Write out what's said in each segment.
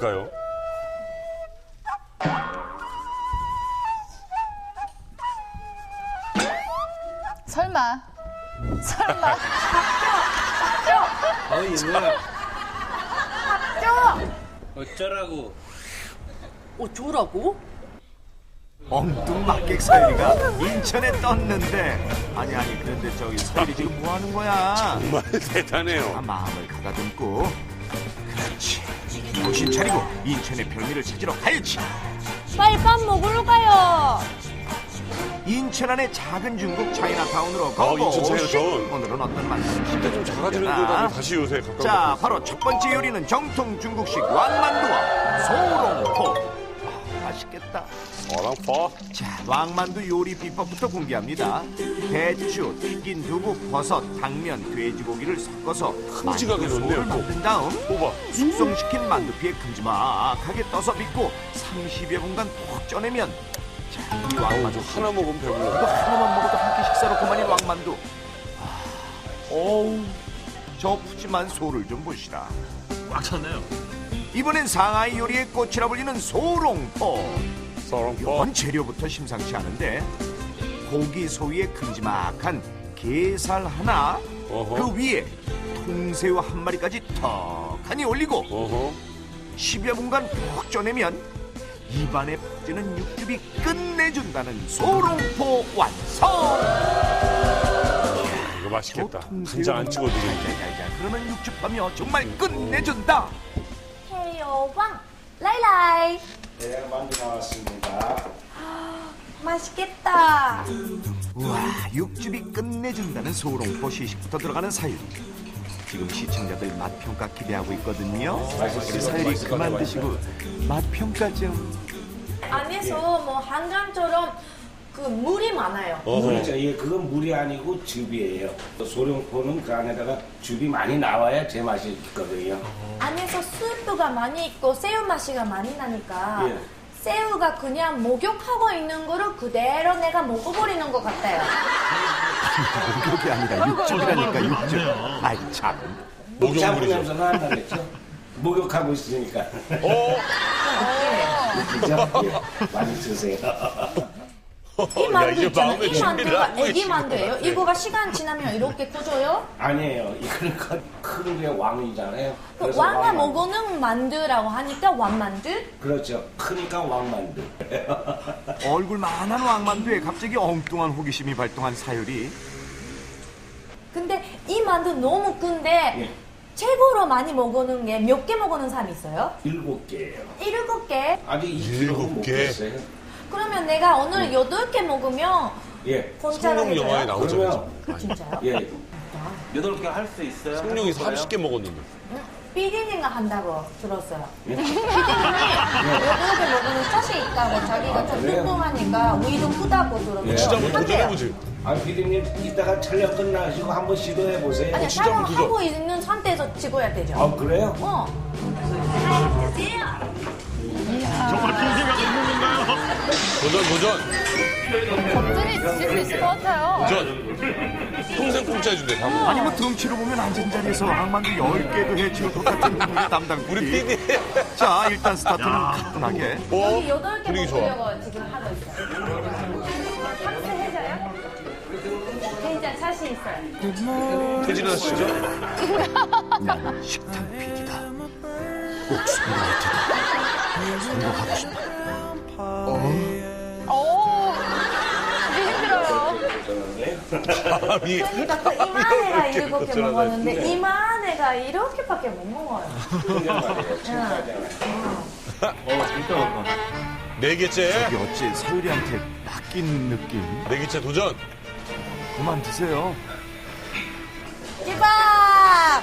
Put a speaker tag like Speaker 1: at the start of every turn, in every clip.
Speaker 1: 뭘까요?
Speaker 2: 설마.
Speaker 3: 이거야.
Speaker 4: 쪄!
Speaker 3: 어쩌라고?
Speaker 4: 어쩌라고?
Speaker 5: 엉뚱 막객 서율이가 인천에 떴는데 아니 그런데 저기 서율이 지금 뭐 하는 거야?
Speaker 1: 정말 대단해요.
Speaker 5: 자, 마음을 가다듬고 그렇지 정신 차리고 인천의 별미를 찾으러 가야지.
Speaker 4: 빨리 밥 먹으러 가요.
Speaker 5: 인천 안의 작은 중국 차이나타운으로 가고
Speaker 1: 인천 차이나타운.
Speaker 5: 오늘은 어떤 만남
Speaker 1: 진짜 좀 작아지는 데다 다시 요새 가까운
Speaker 5: 자 바로 첫 번째 요리는 정통 중국식 왕만두와 소롱포. 맛있겠다.
Speaker 1: 어랑퍼.
Speaker 5: 자, 왕만두 요리 비법부터 공개합니다. 배추, 튀긴 두부, 버섯, 당면, 돼지고기를 섞어서
Speaker 1: 큼직하게
Speaker 5: 만두소를
Speaker 1: 넣네요, 또.
Speaker 5: 만든 다음
Speaker 1: 뽑아.
Speaker 5: 숙성시킨 만두피에 큼지막하게 떠서 빚고 30여 분간 푹 쪄내면 자, 이 왕만두
Speaker 1: 하나 먹으면 배불러.
Speaker 5: 이거 하나만 먹어도 한 끼 식사로 그만인 왕만두. 어우, 저 푸짐한 소를 좀 보시라.
Speaker 6: 꽉 찼네요.
Speaker 5: 이번엔 상하이 요리의 꽃이라 불리는 소롱포.
Speaker 1: 서렁퍼.
Speaker 5: 이번 재료부터 심상치 않은데 고기 소위에 큼지막한 게살 하나,
Speaker 1: 어허.
Speaker 5: 그 위에 통새우 한 마리까지 턱하니 올리고
Speaker 1: 어허.
Speaker 5: 10여 분간 푹 쪄내면 입안에 퍼지는 육즙이 끝내준다는 소롱포 완성.
Speaker 1: 이거 맛있겠다.
Speaker 5: 통새우
Speaker 1: 간장 안 찍어도 되겠네.
Speaker 5: 야야야, 그러면 육즙하며 정말 끝내준다.
Speaker 4: 해요방 라이라이.
Speaker 3: 대량 만두 나왔습니다.
Speaker 4: 맛있겠다.
Speaker 5: 우와, 육즙이 끝내준다는 소롱포 시식부터 들어가는 사유리. 지금 시청자들 맛평가 기대하고 있거든요. 우리 사유리 그만 드시고 맛평가 좀.
Speaker 4: 안에서 뭐 한강처럼 그 물이 많아요.
Speaker 3: 그렇죠. 예, 그건 물이 아니고 즙이에요. 소룡포는 그 안에다가 즙이 많이 나와야 제 맛이 있거든요.
Speaker 4: 안에서 스프가 많이 있고 새우 맛이가 많이 나니까
Speaker 3: 예.
Speaker 4: 새우가 그냥 목욕하고 있는 거를 그대로 내가 먹어버리는 것 같아요.
Speaker 5: 그게 아니라 육즙이라니까 육즙. 아이 참.
Speaker 3: 샤브 냄새는 안 나겠죠? 목욕하고 있으니까. 그죠? 예, 많이 드세요.
Speaker 4: 이 만두
Speaker 1: 이제
Speaker 4: 있잖아요.
Speaker 1: 마음의
Speaker 4: 이
Speaker 1: 준비를
Speaker 4: 만두가
Speaker 1: 하고
Speaker 4: 애기 만두예요. 이거가 시간 지나면 이렇게 커져요?
Speaker 3: 아니에요. 이거는 큰 게 왕이잖아요.
Speaker 4: 그
Speaker 3: 그래서
Speaker 4: 왕가
Speaker 3: 왕만두.
Speaker 4: 먹는 만두라고 하니까 왕만두?
Speaker 3: 그렇죠. 크니까 왕만두.
Speaker 5: 얼굴만한 왕만두에 갑자기 엉뚱한 호기심이 발동한 사유리.
Speaker 4: 근데 이 만두 너무 큰데
Speaker 3: 예.
Speaker 4: 최고로 많이 먹는 게 몇 개 먹는 사람 있어요?
Speaker 3: 7개예요.
Speaker 4: 7개?
Speaker 3: 아직 2kg 못
Speaker 1: 7개?
Speaker 3: 됐어요.
Speaker 4: 그러면 내가 오늘 8개 먹으면
Speaker 3: 예.
Speaker 4: 공짜로
Speaker 1: 성룡 영화에
Speaker 4: 해줘요?
Speaker 1: 나오죠.
Speaker 3: 그러면
Speaker 4: 진짜요?
Speaker 3: 예.
Speaker 6: 8개 할 수 있어요?
Speaker 1: 성룡이 30개 먹었는데.
Speaker 4: 삐디님가 한다고 들었어요.
Speaker 3: 예.
Speaker 4: 삐디님이 8개 먹으면 샷이 있다고 자기가 좀
Speaker 3: 그래요?
Speaker 4: 뚱뚱하니까 위도 크다고 들었어요.
Speaker 3: 예.
Speaker 1: 진짜 한번
Speaker 4: 한대요.
Speaker 1: 도전해보지.
Speaker 3: 아, 피디님 이따가 촬영 끝나시고 한번 시도해 보세요.
Speaker 4: 아니
Speaker 1: 진짜 한번
Speaker 4: 촬영하고 있는 상태에서 찍어야 되죠.
Speaker 3: 아, 그래요?
Speaker 6: 정말 빈대가 없는 건가요?
Speaker 1: 도전.
Speaker 2: 겉들이 드실 수 있을 것 같아요.
Speaker 1: 도전. 평생 공짜 해준대. 다 먹어.
Speaker 5: 아니 뭐 덩치로 보면 앉은 자리에서 왕만두 10개도 해치울 것 같은 우리 담당
Speaker 1: 우리
Speaker 5: PD.
Speaker 1: PD.
Speaker 5: 자, 일단 스타트는 가뿐하게.
Speaker 4: 여기 8개
Speaker 1: 분위기 좋아.
Speaker 4: 먹으려고 지금 하고 있어요. 탑승해줘요? 굉장히 자신 있어요.
Speaker 1: 퇴진하시죠?
Speaker 5: 나는 식탐 PD다. 꼭 성공할 테다. 성공하고 싶다.
Speaker 2: 이게 힘들어요.
Speaker 1: 감이.
Speaker 4: 그러니까 그 이만해가 7개 먹었는데 이만해가 이렇게밖에 못 먹어요.
Speaker 3: 그냥 말이에요. 친구하잖아요.
Speaker 1: 네 개째.
Speaker 5: 이게 어찌 사유리한테 낚인 느낌?
Speaker 1: 네 개째 도전.
Speaker 5: 그만 드세요.
Speaker 4: 찌밥!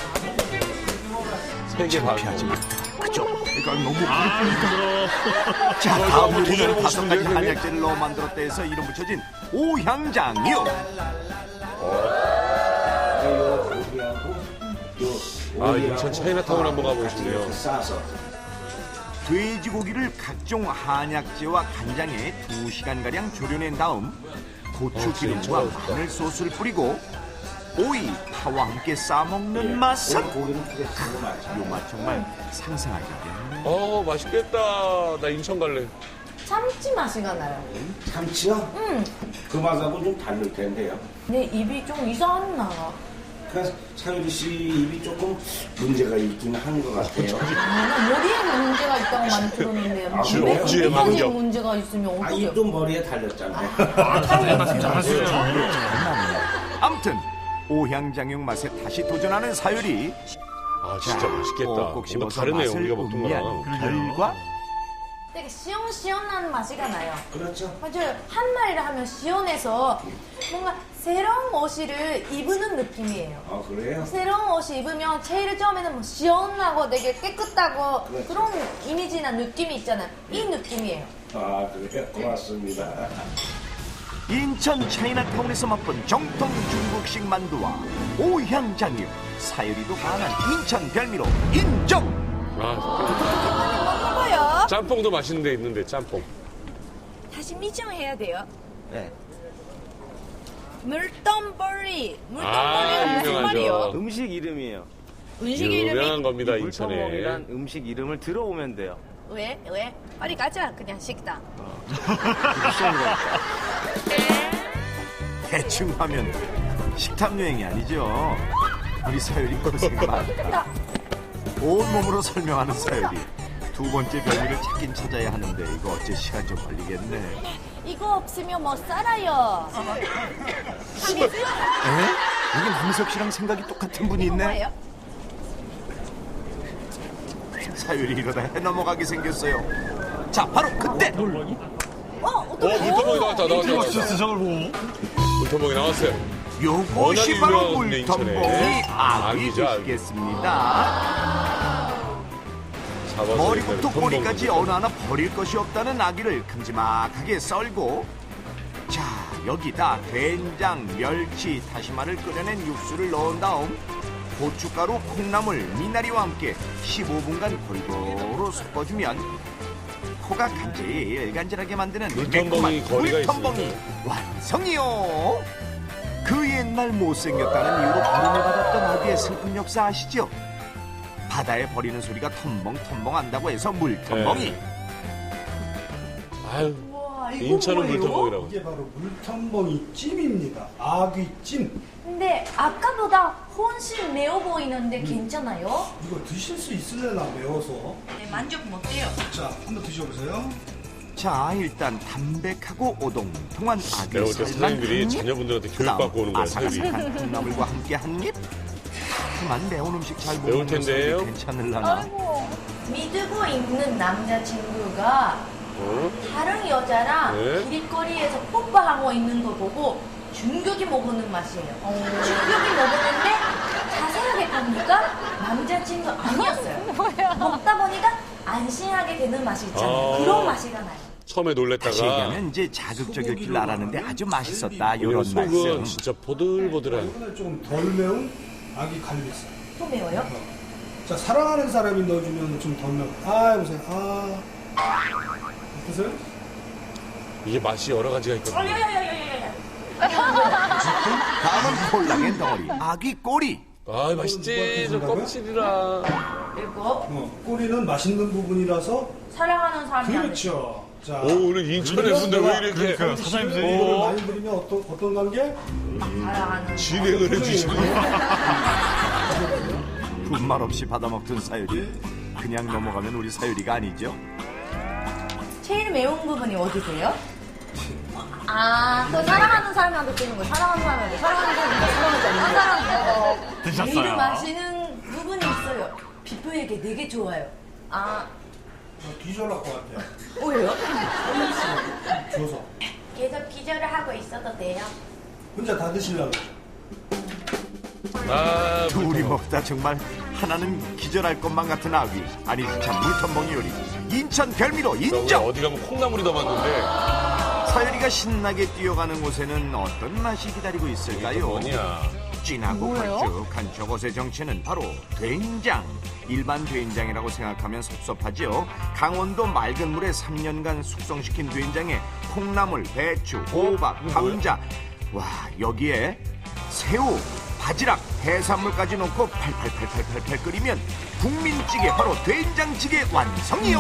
Speaker 1: 3개 반.
Speaker 5: 피하지 말자. 그죠? 그러니까 너무 그렇으니까. 자, 다음 요리는
Speaker 1: 도전해보고
Speaker 5: 5가지
Speaker 1: 싶은데요,
Speaker 5: 한약재를 넣어 만들었다 해서 이름 붙여진 오향장육.
Speaker 1: 아, 인천 차이나타운 한번 가보고 싶네요.
Speaker 3: 싸서.
Speaker 5: 돼지고기를 각종 한약재와 간장에 2시간가량 졸여낸 다음 고추 기름과 마늘 소스를 뿌리고 오이, 파와 함께 싸먹는 맛은
Speaker 3: 고기는 크게 쓰는 맛이죠.
Speaker 5: 요 맛 정말 상상하기 어렵네요.
Speaker 1: 맛있겠다. 나 인천 갈래.
Speaker 4: 참치 맛이가 나요.
Speaker 3: 참치요? 그 맛하고 좀 다를 텐데요.
Speaker 4: 내 입이 좀 이상하나.
Speaker 3: 그러니까 사유리 씨 입이 조금 문제가 있긴 한 것 같아요.
Speaker 4: 나 머리에 문제가 있다고 많이 들었는데
Speaker 3: 아,
Speaker 4: 입에
Speaker 3: 그래요?
Speaker 1: 억지에
Speaker 4: 그렇게까지
Speaker 1: 만져.
Speaker 4: 문제가 있으면
Speaker 3: 아,
Speaker 4: 어떡해요?
Speaker 3: 입도 머리에 달렸잖아요.
Speaker 6: 말씀 잘하시네요.
Speaker 5: 암튼 오향장육 맛에 다시 도전하는 사유리.
Speaker 1: 진짜 맛있겠다.
Speaker 5: 꼭꼭
Speaker 1: 뭔가
Speaker 5: 씹어서
Speaker 1: 다르네요,
Speaker 5: 맛을
Speaker 1: 우리가 먹던
Speaker 5: 음미한
Speaker 1: 거랑.
Speaker 5: 결과
Speaker 4: 되게 시원시원한 맛이가 나요.
Speaker 3: 그렇죠.
Speaker 4: 맞아요. 한마리를 하면 시원해서 뭔가 새로운 옷을 입는 느낌이에요.
Speaker 3: 아, 그래요?
Speaker 4: 새로운 옷을 입으면 제일 처음에는 뭐 시원하고 되게 깨끗하고
Speaker 3: 그렇죠.
Speaker 4: 그런 이미지나 느낌이 있잖아요. 이 느낌이에요.
Speaker 3: 아, 그래요? 고맙습니다.
Speaker 5: 인천 차이나타운에서 맛본 정통 중국식 만두와 오향장육. 사유리도 반한 인천 별미로 인정.
Speaker 4: 먹어요.
Speaker 1: 짬뽕도 맛있는 데 있는데, 짬뽕.
Speaker 4: 다시 미정해야 돼요.
Speaker 5: 네.
Speaker 4: 물돈벌리.
Speaker 1: 아,
Speaker 4: 물돈벌리가 무슨
Speaker 1: 유명하죠.
Speaker 4: 말이에요?
Speaker 7: 음식 이름이에요.
Speaker 4: 음식 이름이?
Speaker 1: 유명한 겁니다, 인천에.
Speaker 7: 물터먹이란 음식 이름을 들어오면 돼요.
Speaker 4: 왜? 빨리 가자. 그냥 식당.
Speaker 5: 대충 하면 식탐 여행이 아니죠. 우리 사유리 고생 많다. 온몸으로 설명하는 사유리. 두 번째 별미를 찾긴 찾아야 하는데 이거 어째 시간 좀 걸리겠네.
Speaker 4: 이거 없으면 못 살아요.
Speaker 5: 에? 여기 남석 씨랑 생각이 똑같은 분이 있네.
Speaker 4: 뭐예요?
Speaker 5: 사유리 이러다 해 넘어가게 생겼어요. 자, 바로 그때.
Speaker 4: 어떡해?
Speaker 1: 물터먹이 나왔다.
Speaker 6: 진짜 저걸 보고.
Speaker 1: 물터먹이 나왔어요.
Speaker 5: 요것이
Speaker 1: 워낙에
Speaker 5: 바로
Speaker 1: 유명한 인천에.
Speaker 5: 물텀봉이 아귀
Speaker 1: 아귀죠, 아귀.
Speaker 5: 되시겠습니다.
Speaker 1: 잡아서
Speaker 5: 머리부터
Speaker 1: 일단
Speaker 5: 꼬리까지
Speaker 1: 텀벙
Speaker 5: 어느 하나 버릴 것이 없다는 아귀를 큼지막하게 썰고, 자, 여기다 된장, 멸치, 다시마를 끓여낸 육수를 넣은 다음 고춧가루, 콩나물, 미나리와 함께 15분간 골고루 섞어주면 코가 간질간질하게 만드는
Speaker 1: 물텀벙이
Speaker 5: 매콤한
Speaker 1: 거리가
Speaker 5: 물텀벙이 완성이요. 그 옛날 못생겼다는 이유로 버림을 받았던 아귀의 슬픈 역사 아시죠? 바다에 버리는 소리가 텀벙텀벙 한다고 해서 물텀벙이.
Speaker 1: 아유, 인천은 물터먹이라고.
Speaker 8: 이게 바로 물텀벙이 찜입니다. 아귀찜.
Speaker 4: 근데 아까보다 훨씬 매워 보이는데 괜찮아요?
Speaker 8: 이거 드실 수 있으려나 매워서.
Speaker 4: 네, 만족 못해요.
Speaker 8: 자, 한번 드셔보세요.
Speaker 5: 자, 일단 담백하고 오동통한 아귀
Speaker 1: 내가 볼 때
Speaker 5: 살만
Speaker 1: 사장님들이
Speaker 5: 한 입,
Speaker 1: 자녀분들한테
Speaker 5: 그다음
Speaker 1: 교육받고 오는 거야, 사장님이.
Speaker 5: 아삭아삭한 콩나물과 함께 한 입. 하지만 매운 음식 잘 못
Speaker 1: 매울
Speaker 5: 먹는
Speaker 1: 텐데요?
Speaker 5: 사람이 괜찮을라나.
Speaker 4: 믿고 있는 남자친구가
Speaker 1: 어?
Speaker 4: 다른 여자랑
Speaker 1: 네?
Speaker 4: 길거리에서 뽀뽀하고 있는 거 보고 충격이 먹는 맛이에요. 충격이 먹었는데 자세하게 보니까 남자친구 아니었어요. 먹다 보니까 안심하게 되는 맛이 있잖아요.
Speaker 1: 아.
Speaker 4: 그런 맛이가 나요.
Speaker 1: 처음에
Speaker 5: 다시
Speaker 1: 놀랬다가
Speaker 5: 얘기하면 이제 자극적일 줄 알았는데 아주 맛있었다 이런
Speaker 1: 오히려 속은
Speaker 5: 말씀.
Speaker 1: 진짜 보들보들한.
Speaker 8: 이번에 조금 덜 매운 아귀 갈비살.
Speaker 4: 또 매워요?
Speaker 8: 자, 사랑하는 사람이 넣어주면 좀 덜 매운. 아, 해보세요. 아. 보세요.
Speaker 1: 이게 맛이 여러 가지가 있거든요.
Speaker 5: 다음은 콜라겐 덩어리 아귀 꼬리.
Speaker 1: 아, 맛있지. 저 껍질이라.
Speaker 4: 그리고
Speaker 8: 꼬리는 맛있는 부분이라서.
Speaker 4: 사랑하는 사람이 안 돼.
Speaker 8: 그렇죠. 자,
Speaker 1: 오, 오늘 인천에 분들 왜 이렇게
Speaker 6: 그러니까요, 사장님들
Speaker 8: 이거를 많이 드리면 어떤 관계?
Speaker 4: 사랑하는
Speaker 1: 진행을 해주시는
Speaker 5: 분말 없이 받아먹던 사유리. 그냥 넘어가면 우리 사유리가 아니죠.
Speaker 4: 제일 매운 부분이 어디세요? 아, 그 사랑하는 사람한테 드는 거예요. 사랑하는 사람한테. 사랑하는 사람한테. 사랑하는 거.
Speaker 6: 드셨어요?
Speaker 4: 제일 마시는 부분이 있어요. 피부에게 되게 좋아요. 아,
Speaker 8: 기절할 것 같아요.
Speaker 4: 왜요?
Speaker 8: 줘서.
Speaker 4: 계속 기절을 하고 있어도 돼요?
Speaker 8: 혼자 다 드시려고.
Speaker 1: 아,
Speaker 5: 둘이 먹다 정말 하나는 기절할 것만 같은 아귀. 아니 참 물텀벙이 요리. 인천 별미로 인정.
Speaker 1: 어디 가면 콩나물이 더 많던데.
Speaker 5: 사유리가 신나게 뛰어가는 곳에는 어떤 맛이 기다리고 있을까요?
Speaker 1: 뭐냐.
Speaker 5: 진하고 걸쭉한 저것의 정체는 바로 된장. 일반 된장이라고 생각하면 섭섭하죠. 강원도 맑은 물에 3년간 숙성시킨 된장에 콩나물, 배추, 호박, 감자. 와, 여기에 새우, 바지락, 해산물까지 넣고 팔팔팔팔팔 끓이면 국민찌개 바로 된장찌개 완성이요.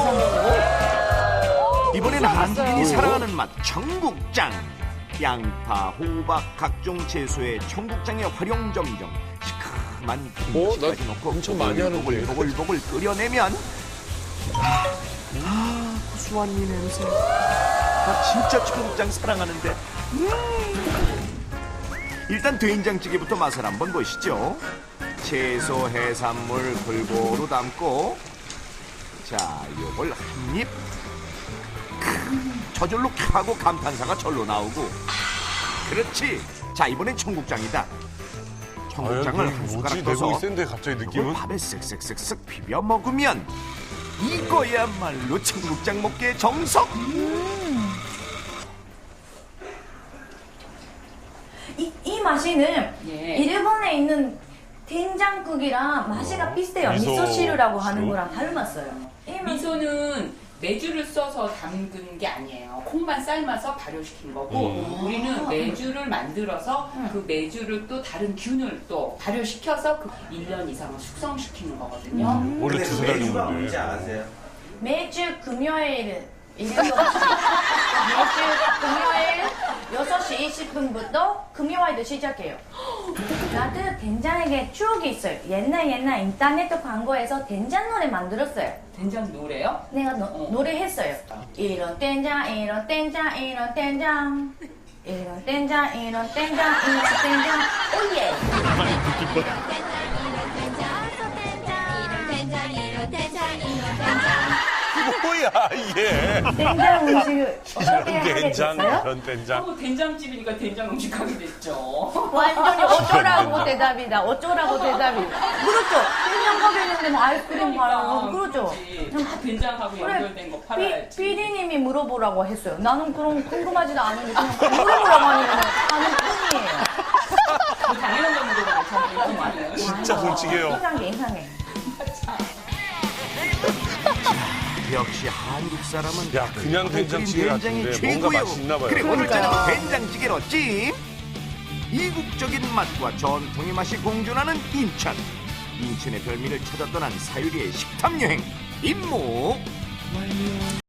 Speaker 5: 이번엔 한국인이 사랑하는 맛 청국장. 양파, 호박, 각종 채소의 청국장의 활용 점정. 시큼한 김치까지 넣고
Speaker 1: 엄청 많이 하는데.
Speaker 5: 보글보글 끓여내면 고소한 이 냄새. 나 진짜 청국장 사랑하는데. 일단 된장찌개부터 맛을 한번 보시죠. 채소, 해산물 골고루 담고 자, 요걸 한 입. 저절로 하고 감탄사가 절로 나오고. 그렇지. 자, 이번엔 청국장이다. 청국장을 한 숟가락
Speaker 1: 뭐지? 내고
Speaker 5: 떠서
Speaker 1: 센데 갑자기
Speaker 5: 이걸
Speaker 1: 느낌은?
Speaker 5: 밥에 쓱쓱쓱쓱 비벼 먹으면 이거야말로 청국장 먹기의 정석.
Speaker 4: 이 맛이는
Speaker 9: 예.
Speaker 4: 일본에 있는 된장국이랑 맛이가 비슷해요. 미소시루라고 하는
Speaker 1: 시루?
Speaker 4: 거랑 닮았어요. 이 맛-
Speaker 9: 미소는 메주를 써서 담근 게 아니에요. 콩만 삶아서 발효시킨 거고 우리는 메주를 만들어서 그 메주를 또 다른 균을 또 발효시켜서 그 1년 이상을 숙성시키는 거거든요.
Speaker 1: 원래 두세 달 정도인데.
Speaker 3: 아세요?
Speaker 4: 매주 금요일 7시 매주 금요일 6시 20분부터 금요일도 시작해요. 나도 된장에게 추억이 있어요. 옛날 인터넷 광고에서 된장 노래 만들었어요.
Speaker 9: 된장 노래요?
Speaker 4: 내가 노래했어요. 이런 된장 이런 된장 이런 된장 이런 된장 이런 된장 이런 된장 오예.
Speaker 1: 뭐야 이게?
Speaker 4: 된장 음식을 어떻게 하게
Speaker 1: 된장,
Speaker 4: 됐어요?
Speaker 1: 이런 된장.
Speaker 9: 된장집이니까 된장 음식 하게 됐죠.
Speaker 4: 완전히 어쩌라고 대답이다. 어쩌라고 대답이다. 그렇죠. 된장 가게인데 뭐 아이스크림 팔아요. 그렇죠.
Speaker 9: 그렇지. 다 된장하고 연결된 거 팔아야지.
Speaker 4: PD님이 물어보라고 했어요. 나는 그런 궁금하지도 않은데 그냥 물어보라고 하는 뿐이에요.
Speaker 9: 당연한 거 물어보고 저는 이거 많아요.
Speaker 1: 진짜 솔직해요.
Speaker 4: 이상해.
Speaker 5: 역시 한국 사람은
Speaker 1: 야, 그냥 된장찌개
Speaker 5: 된장이
Speaker 1: 같은데 뭔가
Speaker 5: 최고예요.
Speaker 1: 맛이 있나 봐요.
Speaker 5: 그래, 오늘
Speaker 4: 그러니까요.
Speaker 5: 저녁 된장찌개로 찜. 이국적인 맛과 전통의 맛이 공존하는 인천. 인천의 별미를 찾아 떠난 사유리의 식탐 여행 임무 완료.